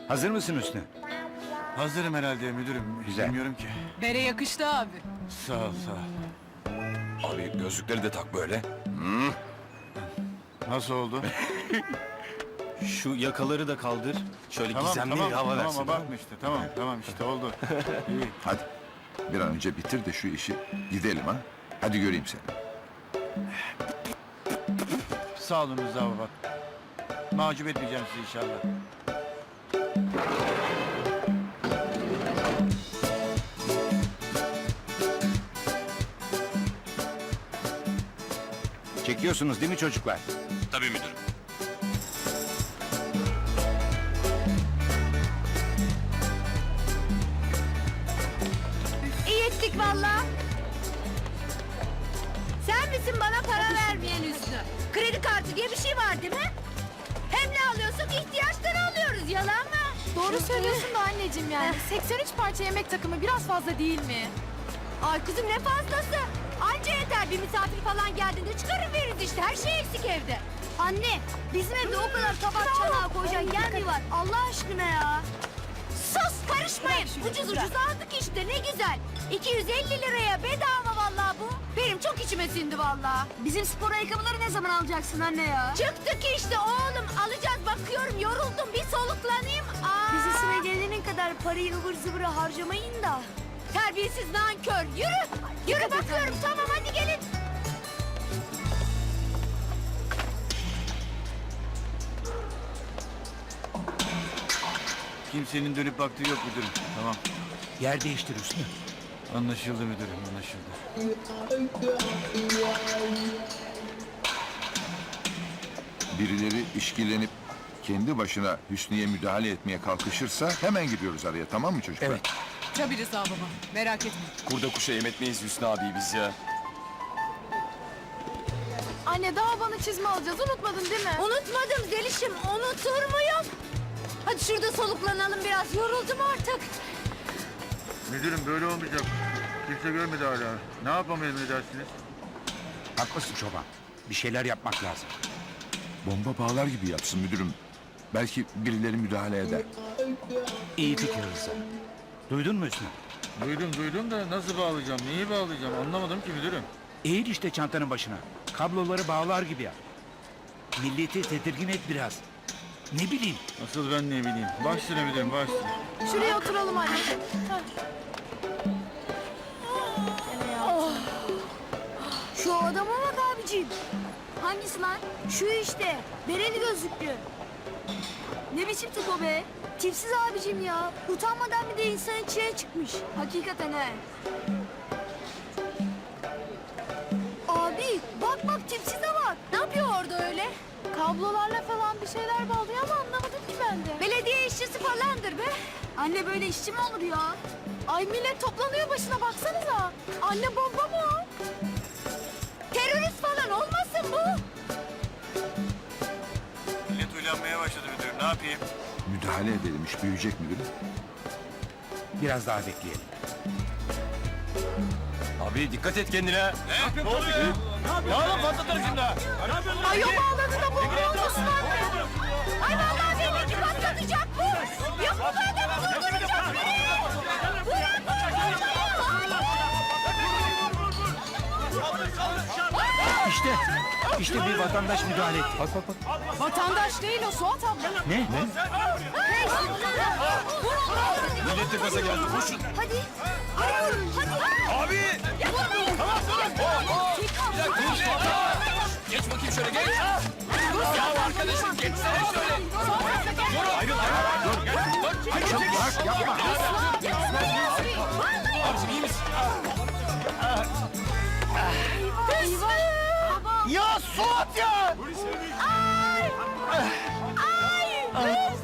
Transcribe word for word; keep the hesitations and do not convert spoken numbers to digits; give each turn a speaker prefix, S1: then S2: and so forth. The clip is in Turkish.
S1: Hazır mısın Hüsnü?
S2: Hazırım herhalde müdürüm.
S1: Güzel.
S2: Bilmiyorum ki.
S3: Bere yakıştı abi.
S2: Sağ ol sağ ol.
S4: Abi gözlükleri de tak böyle.
S2: Nasıl oldu?
S5: Şu yakaları da kaldır. Şöyle
S2: tamam
S5: gizemli
S2: tamam
S5: bir hava
S2: tamam
S5: versin.
S2: abartma işte. Tamam tamam işte oldu. İyi.
S4: Hadi bir an önce bitir de şu işi gidelim ha. Hadi göreyim seni.
S2: Sağ olun Rıza baba. Mahcup etmeyeceğim sizi inşallah.
S1: Çekiyorsunuz değil mi çocuklar?
S5: Tabii müdürüm.
S6: İyi ettik valla. Sen misin bana para vermeyen Hüsnü? Kredi kartı diye bir şey var değil mi? Hem ne alıyorsun? İhtiyaçları alıyoruz, yalan mı?
S7: Doğru söylüyorsun da anneciğim yani. seksen üç parça yemek takımı biraz fazla değil mi?
S6: Ay kızım ne fazlası? Anca yeter, bir misafir falan geldiğinde çıkarır veririz işte. Her şey eksik evde. Anne, bizim evde o kadar tabak çanağı koyacak yer mi var? Allah aşkına ya. Sus, karışmayın. Ucuz ucuz aldık işte, ne güzel. iki yüz elli liraya bedava vallahi bu. Benim çok içime sindi vallahi. Bizim spor ayakkabıları ne zaman alacaksın anne ya? Çıktık işte oğlum, alacağız, bakıyorum yoruldum, bir soluklanayım. Aa.
S8: Bize sıra gelene kadar parayı ıvır zıvırı harcamayın da.
S6: Terbiyesiz nankör, yürü. Yürü bakıyorum, tamam hadi gelin.
S2: Kimsenin dönüp baktığı yok müdürüm. Tamam.
S1: Yer değiştir Hüsnü.
S2: Anlaşıldı müdürüm anlaşıldı.
S4: Birileri işkilenip kendi başına Hüsnü'ye müdahale etmeye kalkışırsa hemen gidiyoruz araya, tamam mı çocuklar?
S1: Evet.
S3: Tabii Rıza baba. Merak etme.
S5: Kurda kuşa yem etmeyiz Hüsnü abi biz ya.
S7: Anne daha bana çizme alacağız. Unutmadın değil mi?
S6: Unutmadım Zeliş'im, unutur muyum? Hadi şurada soluklanalım biraz, yoruldum artık.
S2: Müdürüm böyle olmayacak. Kimse görmedi hala. Ne yapalım ne dersiniz?
S1: Haklısın çoban. Bir şeyler yapmak lazım.
S4: Bomba bağlar gibi yapsın müdürüm. Belki birileri müdahale eder.
S1: İyi fikir Rıza. Duydun mu Hüsnü?
S2: Duydum duydum da nasıl bağlayacağım, neyi bağlayacağım anlamadım ki müdürüm.
S1: Eğil işte çantanın başına. Kabloları bağlar gibi yap. Milleti tedirgin et biraz. Ne bileyim.
S2: Asıl ben ne bileyim. Baş üstüne müdürüm baş üstüne.
S7: Şuraya oturalım anne.
S8: Şu adama bak abicim. Hangisi lan? Şu işte. Bereli gözlüklü. Ne biçim tip o be? Tipsiz abicim ya. Utanmadan bir de insan içine çıkmış. Hakikaten he. Abi bak bak tipsize bak.
S6: Ne yapıyor orada öyle?
S7: Kablolarla falan bir şeyler bağlıyor ama anlamadım ki ben de.
S6: Belediye işçisi falandır be.
S8: Anne böyle işçi mi olur ya?
S7: Ay millet toplanıyor başına baksanıza. Anne bomba mı o?
S6: Terörist falan olmasın bu?
S2: Millet uyanmaya başladı müdürüm, ne yapayım?
S4: Müdahale edelim, iş büyüyecek müdürüm.
S1: Biraz daha bekleyelim.
S5: Abi dikkat et kendine.
S2: Ne oluyor ya?
S5: Ya lan patlatırım şimdi ha.
S6: Ay o bağladı da bomba olmasın anne. Ay vallahi benimki patlatacak bu. Yok bu adamı vurduracak beni. Bırak
S1: İşte. İşte bir vatandaş müdahale etti. Bak bak bak.
S7: Vatandaş değil o Suat abla.
S1: Ne? Ne?
S5: Millet de gaza geldi. Koşun.
S8: Hadi. Arıyorum hadi.
S5: Abi. Tamam tamam. Bir dakika. Geç bakayım şöyle geç. Ya arkadaşım geçsene şöyle. Dur ayrıl ayrıl. Dur gel. Dur. Hayır
S4: Bırak yapma.
S5: Abicim iyi misin?
S7: Eyvah.
S5: Ya Suat ya.
S6: Ay! Ay! Hüsnü!